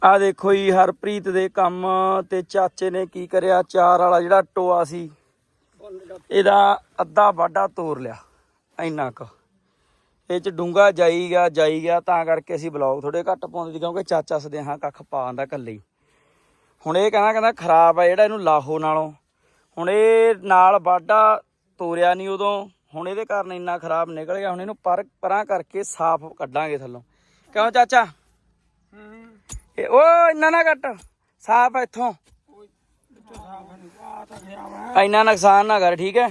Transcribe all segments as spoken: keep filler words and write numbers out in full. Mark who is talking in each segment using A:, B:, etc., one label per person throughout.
A: ਆ ਦੇਖੋ ਜੀ ਹਰਪ੍ਰੀਤ ਦੇ ਕੰਮ ਤੇ ਚਾਚੇ ਨੇ ਕੀ ਕਰਿਆ, ਚਾਰ ਵਾਲਾ ਜਿਹੜਾ ਟੋਆ ਸੀ ਇਹਦਾ ਅੱਧਾ ਵਾਢਾ ਤੋੜ ਲਿਆ। ਇੰਨਾ ਕੁ ਇਹ ਚ ਡੂੰਘਾ ਜਾਈ ਗਿਆ ਜਾਈ ਗਿਆ ਤਾਂ ਕਰਕੇ ਅਸੀਂ ਬਲੌਗ ਥੋੜੇ ਘੱਟ ਪਾਉਂਦੇ ਸੀ, ਕਿਉਂਕਿ ਚਾਚਾ ਸਦੇਹਾ ਕੱਖ ਪਾ ਆਂਦਾ ਇਕੱਲੇ ਹੀ। ਹੁਣ ਇਹ ਕਹਿੰਦਾ ਕਹਿੰਦਾ ਖਰਾਬ ਆ ਜਿਹੜਾ, ਇਹਨੂੰ ਲਾਹੋ ਨਾਲੋਂ। ਹੁਣ ਇਹ ਨਾਲ ਵਾਢਾ ਤੋਰਿਆ ਨਹੀਂ ਉਦੋਂ, ਹੁਣ ਇਹਦੇ ਕਾਰਨ ਇੰਨਾ ਖਰਾਬ ਨਿਕਲ ਗਿਆ। ਹੁਣ ਇਹਨੂੰ ਪਰ ਪਰਾਂ ਕਰਕੇ ਸਾਫ਼ ਕੱਢਾਂਗੇ ਥੱਲੋਂ। ਕਿਉਂ ਚਾਚਾ? ਇਹ ਉਹ ਇੰਨਾ ਨਾ ਕੱਟ, ਸਾਫ਼ ਇੱਥੋਂ, ਇੰਨਾ ਨੁਕਸਾਨ ਨਾ ਕਰ, ਠੀਕ ਹੈ?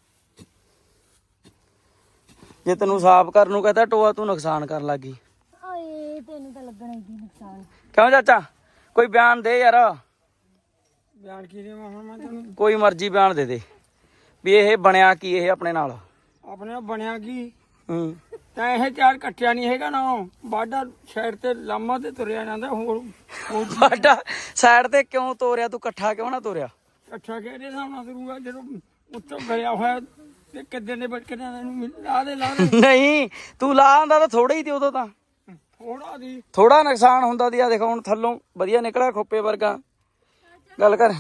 A: ਜੇ ਤੈਨੂੰ ਸਾਫ਼ ਕਰਨ ਨੂੰ ਕਹਤਾ ਟੋਆ, ਤੂੰ ਨੁਕਸਾਨ ਕਰਨ ਲੱਗੀ।
B: ਤੈਨੂੰ ਤਾਂ ਲੱਗਣਾ ਹੀ ਨੁਕਸਾਨ।
A: ਕਿਉਂ ਚਾਚਾ? ਕੋਈ ਬਿਆਨ ਦੇ ਯਾਰ।
C: ਬਿਆਨ ਕੀ ਦੇਵਾਂ ਹੁਣ ਮੈਂ ਤੈਨੂੰ?
A: ਕੋਈ ਮਰਜ਼ੀ ਬਿਆਨ ਦੇ ਦੇ ਵੀ ਇਹ ਬਣਿਆ ਕੀ, ਇਹ ਆਪਣੇ ਨਾਲ
C: ਆਪਣੇ ਬਣਿਆ ਕੀ?
A: ਹੂੰ
C: ਤਾਂ ਇਹ ਚਾਰ ਕੱਟਿਆ ਨਹੀਂ ਹੈਗਾ ਨਾ, ਬਾਡਾ ਸਾਈਡ ਤੇ ਲਾਮਾ ਤੇ ਤੁਰਿਆ ਜਾਂਦਾ। ਹੋਰ
A: ਵਾਢਾ ਸਾਈਡ ਤੇ ਕਿਉਂ ਤੋਰਿਆ ਤੂੰ? ਇਕੱਠਾ ਕਿਉਂ ਨਾ ਤੋਰਿਆ?
C: ਇਕੱਠਾ ਕਿਹੜੇ ਸਾਹਮਣਾ ਕਰੂਗਾ ਜਦੋਂ ਉੱਤੋਂ ਗਿਆ ਹੋਇਆ ਤੇ ਕਿੱਦਾਂ ਦੇ ਬੱਚੇ ਨੂੰ ਲਾ ਦੇ ਲਾ ਦੇ।
A: ਨਹੀਂ ਤੂੰ ਲਾ ਆਂਦਾ ਤਾਂ ਥੋੜਾ ਹੀ ਤੇ ਉਦੋਂ ਤਾਂ
C: ਥੋੜਾ ਦੀ
A: ਥੋੜਾ ਨੁਕਸਾਨ ਹੁੰਦਾ ਦੀ। ਆ ਦੇਖੋ ਹੁਣ ਥੱਲੋਂ ਵਧੀਆ ਨਿਕਲਿਆ ਖੋਪੇ ਵਰਗਾ। ਗੱਲ ਕਰ।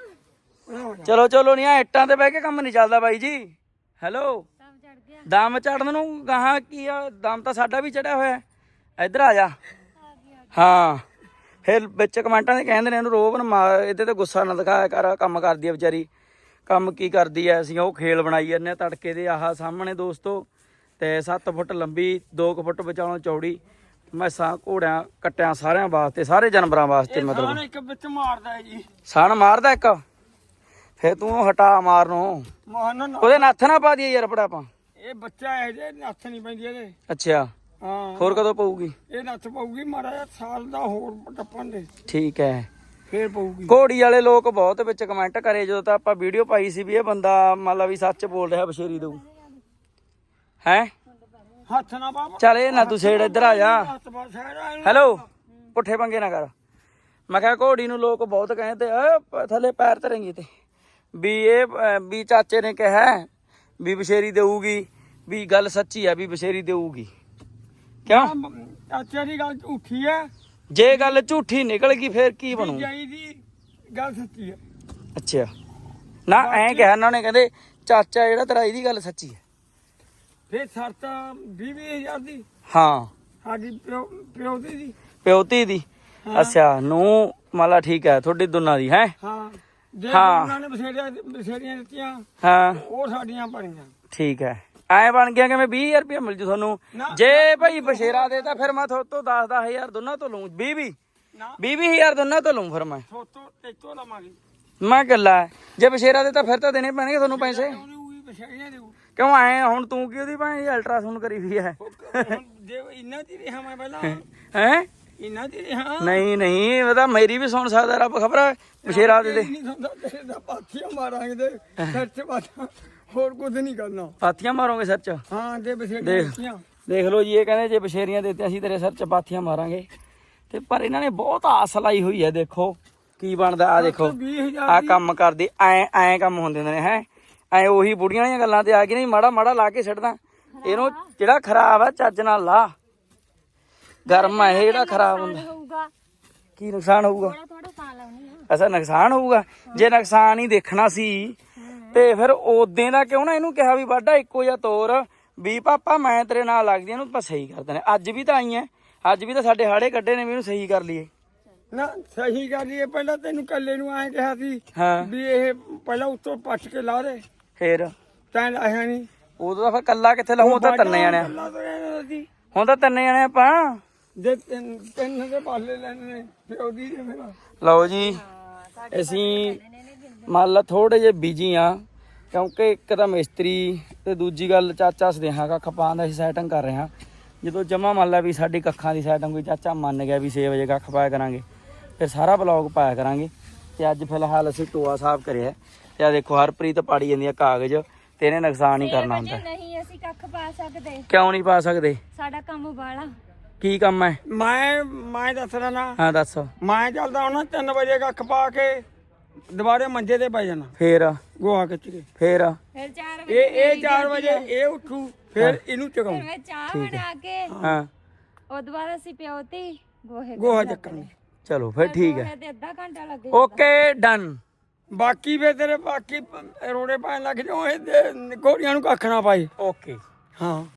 A: ਚਲੋ ਚਲੋ ਨਹੀਂ, ਆ ਇੱਟਾਂ ਤੇ ਬਹਿ ਕੇ ਕੰਮ ਨਹੀਂ ਚੱਲਦਾ ਬਾਈ ਜੀ। ਹੈਲੋ, ਦਮ ਚੜਨ ਨੂੰ ਗਾਹਾਂ ਕੀ ਆ? ਦਮ ਤਾਂ ਸਾਡਾ ਵੀ ਚੜਿਆ ਹੋਇਆ। ਇੱਧਰ ਆ ਜਾ। ਹਾਂ ਫਿਰ ਵਿੱਚ ਕਮੈਂਟਾਂ ਦੇ ਕਹਿੰਦੇ ਨੇ ਇਹਨੂੰ ਰੋਬ ਨਾ ਮਾਰ, ਇਹਦੇ ਤੇ ਗੁੱਸਾ ਨਾ ਦਿਖਾਇਆ ਕਰ, ਕੰਮ ਕਰਦੀ ਆ ਵਿਚਾਰੀ। ਕੰਮ ਕੀ ਕਰਦੀ ਐ? ਅਸੀਂ ਉਹ ਖੇਲ ਬਣਾਈ ਜਾਂਦੇ ਹਾਂ ਤੜਕੇ ਦੇ। ਆਹ ਸਾਹਮਣੇ ਦੋਸਤੋ, ਤੇ ਸੱਤ ਫੁੱਟ ਲੰਬੀ, ਦੋ ਕੁ ਫੁੱਟ ਵਿਚਾਲੋਂ ਚੌੜੀ, ਮੈਸਾਂ ਘੋੜਿਆਂ ਕੱਟਿਆਂ ਸਾਰਿਆਂ ਵਾਸਤੇ, ਸਾਰੇ ਜਾਨਵਰਾਂ ਵਾਸਤੇ। ਮਤਲਬ
C: ਇੱਕ ਵਿੱਚ ਮਾਰਦਾ ਜੀ,
A: ਸਣ ਮਾਰਦਾ ਇੱਕ। ਫਿਰ ਤੂੰ ਹਟਾ ਮਾਰਨੋਂ,
C: ਮੋਹਨ
A: ਉਹਦੇ ਨੱਥ ਨਾ ਪਾ ਦਈਏ ਯਾਰ ਬੜਾ ਆਪਾਂ।
C: ਇਹ ਬੱਚਾ ਹੈ ਜੇ ਨੱਥ ਨਹੀਂ ਪੈਂਦੀ ਇਹਦੇ।
A: ਅੱਛਾ,
C: ਹਾਂ
A: ਹੋਰ ਕਦੋਂ ਪਊਗੀ?
C: ਇਹ ਨੱਥ ਪਊਗੀ ਮਾੜਾ ਜਿਹਾ ਸਾਲ ਦਾ ਹੋਰ ਟੱਪਣ ਦੇ,
A: ਠੀਕ ਹੈ,
C: ਫੇਰ ਪਊਗੀ।
A: ਘੋੜੀ ਵਾਲੇ ਲੋਕ ਬਹੁਤ ਵਿੱਚ ਕਮੈਂਟ ਕਰੇ ਜਦੋਂ ਤਾਂ ਆਪਾਂ ਵੀਡੀਓ ਪਾਈ ਸੀ ਵੀ ਇਹ ਬੰਦਾ ਮੰਨ ਲਾ ਵੀ ਸੱਚ ਬੋਲ ਰਿਹਾ, ਬਸ਼ੇਰੀ ਦਊ ਹੈ।
C: ਹੱਥ ਨਾ ਬਾਬਾ,
A: ਚੱਲ ਇਹ ਨਾ ਤੂੰ ਛੇੜ, ਇੱਧਰ ਆ ਜਾ। ਹੈਲੋ, ਪੁੱਠੇ ਪੰਗੇ ਨਾ ਕਰ। ਮੈਂ ਕਿਹਾ ਘੋੜੀ ਨੂੰ ਲੋਕ ਬਹੁਤ ਕਹਿੰਦੇ ਆ ਥੱਲੇ ਪੈਰ ਧਰੇਂਗੀ ਤੇ ਵੀ ਇਹ ਵੀ ਚਾਚੇ ਨੇ ਕਿਹਾ ਵੀ ਬਸ਼ੇਰੀ ਦੇਊਗੀ, ਵੀ ਗੱਲ ਸੱਚੀ ਆ ਵੀ ਬਸ਼ੇਰੀ ਦੇਊਗੀ। ਕਿਉਂ?
C: ਚਾਚੇ ਦੀ ਗੱਲ ਝੂਠੀ ਹੈ।
A: ਜੇ ਗੱਲ ਝੂਠੀ ਨਿਕਲ ਗਈ ਫੇਰ ਕੀ ਬਣੂ?
C: ਜਾਈ ਦੀ ਗੱਲ ਸੱਚੀ ਹੈ।
A: ਅੱਛਾ ਨਾ, ਐਂ ਕਿਹਾ ਉਹਨਾਂ ਨੇ, ਕਹਿੰਦੇ ਚਾਚਾ ਜਿਹੜਾ ਤੇਰਾ ਇਹਦੀ ਗੱਲ ਸੱਚੀ ਹੈ।
C: ਫੇਰ ਸ਼ਰਤ ਵੀਹ ਵੀਹ ਹਜ਼ਾਰ ਦੀ
A: ਹਾਂ,
C: ਸਾਡੀ ਪਿਓ ਪਿਓ ਦੀ ਦੀ
A: ਪਿਓਤੀ ਦੀ। ਅੱਛਾ, ਨੂੰ ਮਾਲਾ ਠੀਕ ਹੈ ਤੁਹਾਡੀ ਦੋਨਾਂ ਦੀ ਹੈ।
C: ਹਾਂ, ਜੇ
A: ਹਾਂ।
C: ਉਹਨਾਂ ਨੇ ਬਸੇੜੀਆਂ ਬਸੇੜੀਆਂ ਦਿੱਤੀਆਂ
A: ਹਾਂ
C: ਉਹ ਸਾਡੀਆਂ ਬਣੀਆਂ।
A: ਠੀਕ ਹੈ, ਐ ਬਣ ਗਿਆ ਕਿ ਮੈਂ ਵੀਹ ਹਜ਼ਾਰ ਰੁਪਇਆ ਮਿਲ ਜੂ ਤੁਹਾਨੂੰ। ਜੇ ਭਾਈ ਬਸ਼ੇਰਾ ਦੇ ਤਾਂ ਫਿਰ ਮੈਂ ਤੁਹਾਡੇ ਤੋਂ ਦਸ ਦਸ ਹਜ਼ਾਰ ਦੋਨਾਂ ਤੋਂ ਲਊਂ, ਵੀਹ ਵੀਹ
C: ਨਾ
A: ਵੀਹ ਵੀਹ ਹਜ਼ਾਰ ਦੋਨਾਂ ਤੋਂ ਲਊਂ ਫਿਰ ਮੈਂ।
C: ਸੋਤੋਂ ਤੇਤੋਂ ਲਵਾਂਗੇ।
A: ਮੈਂ ਗੱਲਾਂ ਜੇ ਬਸ਼ੇਰਾ ਦੇ ਤਾਂ ਫਿਰ ਤਾਂ ਦੇਣੇ ਪੈਣਗੇ ਤੁਹਾਨੂੰ ਪੈਸੇ।
C: ਉਹਦੀ ਬਸੇੜੀਆਂ ਦੇਊ।
A: ਕਿਉਂ ਐ ਹੁਣ ਤੂੰ ਕੀ ਉਹਦੀ ਭਾਈ ਅਲਟਰਾਸਾਊਂਡ ਕਰੀ ਵੀ ਹੈ
C: ਹੁਣ ਜੇ ਇੰਨਾ ਦੀ ਰਿਹਾ ਮੈਂ ਪਹਿਲਾਂ
A: ਹੈ?
C: ਇੰਨਾ ਦੀ ਰਿਹਾ
A: ਨਹੀਂ ਨਹੀਂ, ਉਹ ਤਾਂ ਮੇਰੀ ਵੀ ਸੁਣ ਸਕਦਾ ਰੱਬ, ਖਬਰ ਬਸ਼ੇਰਾ ਦੇ ਦੇ।
C: ਨਹੀਂ ਸੁਣਦਾ ਤੇਰੇ ਦਾ ਪਾਥੀਆਂ ਮਾਰਾਂਗੇ ਤੇ ਸਿਰ 'ਚ ਬਾਤਾਂ, ਹੋਰ ਕੁਝ ਨਹੀਂ ਕਰਨਾ।
A: ਪਾਥੀਆਂ ਮਾਰੋਗੇ ਸਿਰ 'ਚ?
C: ਹਾਂ ਜੇ ਬਸੇੜੀਆਂ
A: ਦੇਖ
C: ਦਿੱਤੀਆਂ।
A: ਦੇਖ ਲਓ ਜੀ, ਇਹ ਕਹਿੰਦੇ ਜੇ ਬਸ਼ੇਰੀਆਂ ਦਿੱਤੀਆਂ ਅਸੀਂ ਤੇਰੇ ਸਿਰ 'ਚ ਪਾਥੀਆਂ ਮਾਰਾਂਗੇ। ਤੇ ਪਰ ਇਹਨਾਂ ਨੇ ਬਹੁਤ ਆਸ ਲਾਈ ਹੋਈ ਹੈ, ਦੇਖੋ ਕੀ ਬਣਦਾ। ਆ ਦੇਖੋ
C: ਵੀਹ ਹਜ਼ਾਰ
A: ਆ ਕੰਮ ਕਰਦੀ, ਐ ਐ ਕੰਮ ਹੁੰਦੇ ਨੇ ਹੈ। ਐ ਉਹੀ ਬੁੜੀਆਂ ਵਾਲੀਆਂ ਗੱਲਾਂ ਤੇ ਆ ਗਈ, ਨਹੀਂ ਮਾੜਾ ਮਾੜਾ ਲਾ ਕੇ ਛੱਡਦਾ ਇਹਨੂੰ। ਜਿਹੜਾ ਖਰਾਬ ਆ ਚੱਜ ਨਾਲ ਲਾ, ਗਰਮ ਆ ਇਹ ਜਿਹੜਾ ਖਰਾਬ ਹੁੰਦਾ। ਕੀ ਨੁਕਸਾਨ ਹੋਊਗਾ? ਐਸਾ ਨੁਕਸਾਨ ਹੋਊਗਾ? ਜੇ ਨੁਕਸਾਨ ਹੀ ਦੇਖਣਾ ਸੀ ਤੇ ਫਿਰ ਉਦੋਂ ਦਾ ਕਿਉਂ ਨਾ ਇਹਨੂੰ ਕਿਹਾ ਵੀ ਵਾਢਾ ਇੱਕੋ ਜਿਹਾ ਤੋਰ, ਵੀ ਪਾਪਾ ਮੈਂ ਤੇਰੇ ਨਾਲ ਲੱਗਦੀ, ਇਹਨੂੰ ਆਪਾਂ ਸਹੀ ਕਰ ਦਿੰਦੇ। ਅੱਜ ਵੀ ਤਾਂ ਆਈ ਐ, ਅੱਜ ਵੀ ਤਾਂ ਸਾਡੇ ਹਾੜੇ ਕੱਢੇ ਨੇ ਵੀ ਇਹਨੂੰ ਸਹੀ ਕਰ ਲਈਏ
C: ਨਾ। ਸਹੀ ਕਰ ਲਈਏ, ਪਹਿਲਾਂ ਤੈਨੂੰ ਕੱਲੇ ਨੂੰ ਐਂ ਕਿਹਾ ਸੀ
A: ਹਾਂ
C: ਵੀ ਇਹ ਪਹਿਲਾਂ ਉੱਤੋਂ ਪੱਟ ਕੇ ਲਾ ਦੇ,
A: ਫੇਰ
C: ਤੈਂ ਲਾਇਆ ਨਹੀਂ।
A: ਉਦੋਂ ਤਾਂ ਫਿਰ ਕੱਲਾ ਕਿੱਥੇ ਲਾਉਂ, ਤਾਂ ਤਿੰਨੇ ਜਾਣੇ ਹੁਣ ਤਾਂ ਤਿੰਨੇ ਜਾਣੇ ਆਪਾਂ।
C: ਜੇ ਤਿੰਨ ਤਿੰਨ ਦੇ ਪਾਲੇ ਲੈਣੇ ਨੇ ਪਿਓ ਦੀ ਤੇ ਮੇਰਾ।
A: ਲਓ ਜੀ, ਅਸੀਂ ਮੰਨ ਲਾ ਥੋੜੇ ਜਿਹੇ ਬਿਜੀ ਆ, ਕਿਉਂਕਿ ਇੱਕ ਤਾਂ ਮਿਸਤਰੀ ਤੇ ਦੂਜੀ ਗੱਲ ਚਾਚਾ ਸਦੇਹਾ ਕੱਖ ਪਾਉਣ ਦਾ ਅਸੀਂ ਸੈਟਿੰਗ ਕਰ ਰਹੇ ਹਾਂ। ਜਦੋਂ ਜਮਾ ਮੰਨ ਲਾ ਵੀ ਸਾਡੀ ਕੱਖਾਂ ਦੀ ਸੈਟਿੰਗ ਕੋਈ ਚਾਚਾ ਮੰਨ ਗਿਆ ਵੀ ਛੇ ਵਜੇ ਕੱਖ ਪਾਇਆ ਕਰਾਂਗੇ, ਫਿਰ ਸਾਰਾ ਬਲੌਗ ਪਾਇਆ ਕਰਾਂਗੇ। ਤੇ ਅੱਜ ਫਿਲਹਾਲ ਅਸੀਂ ਟੋਆ ਸਾਫ਼ ਕਰਿਆ ਤੇ ਆ ਦੇਖੋ ਹਰਪ੍ਰੀਤ ਪਾੜੀ ਜਾਂਦੀ ਆ ਕਾਗਜ਼, ਤੇ ਇਹਨੇ ਨੁਕਸਾਨ ਹੀ ਕਰਨਾ ਹੁੰਦਾ।
B: ਨਹੀਂ ਅਸੀਂ ਕੱਖ ਪਾ ਸਕਦੇ।
A: ਕਿਉਂ ਨਹੀਂ ਪਾ ਸਕਦੇ?
B: ਸਾਡਾ ਕੰਮ ਬਾਲਾ।
A: ਕੀ ਕੰਮ ਹੈ?
C: ਮੈਂ ਮੈਂ ਦੱਸਦਾ ਨਾ।
A: ਹਾਂ ਦੱਸ।
C: ਮੈਂ ਚੱਲਦਾ ਹੁਣ ਤਿੰਨ ਵਜੇ ਕੱਖ ਪਾ ਕੇ ਦੁਬਾਰੇ ਮੰਜੇ ਤੇ ਪੈ ਜਾਣਾ,
A: ਫੇਰ
C: ਗੋਹਾ ਖਿੱਚ ਕੇ।
A: ਫੇਰ
B: ਫਿਰ ਚਾਰ ਵਜੇ
C: ਇਹ ਇਹ ਚਾਰ ਵਜੇ ਇਹ ਉੱਠੂ, ਫਿਰ ਇਹਨੂੰ ਚਗਾਉਂ,
B: ਮੈਂ ਚਾਹ ਬਣਾ ਕੇ
A: ਹਾਂ
B: ਉਹ ਤੋਂ ਬਾਅਦ ਅਸੀਂ ਪਿਓਤੀ ਗੋਹੇ
C: ਗੋਹਾ ਚੱਕਣ।
A: ਚਲੋ ਫਿਰ ਠੀਕ ਹੈ
B: ਤੇ ਅੱਧਾ ਘੰਟਾ ਲੱਗੇ
A: ਓਕੇ ਡਨ।
C: ਬਾਕੀ ਵੇ ਤੇਰੇ ਬਾਕੀ ਪ- ਰੋੜੇ ਪਾਣ ਲੱਗ ਜਾਓ ਇਹ ਤੇ ਘੋੜੀਆਂ ਨੂੰ ਕੱਖ ਨਾ ਪਾਈ।
A: ਓਕੇ
C: ਹਾਂ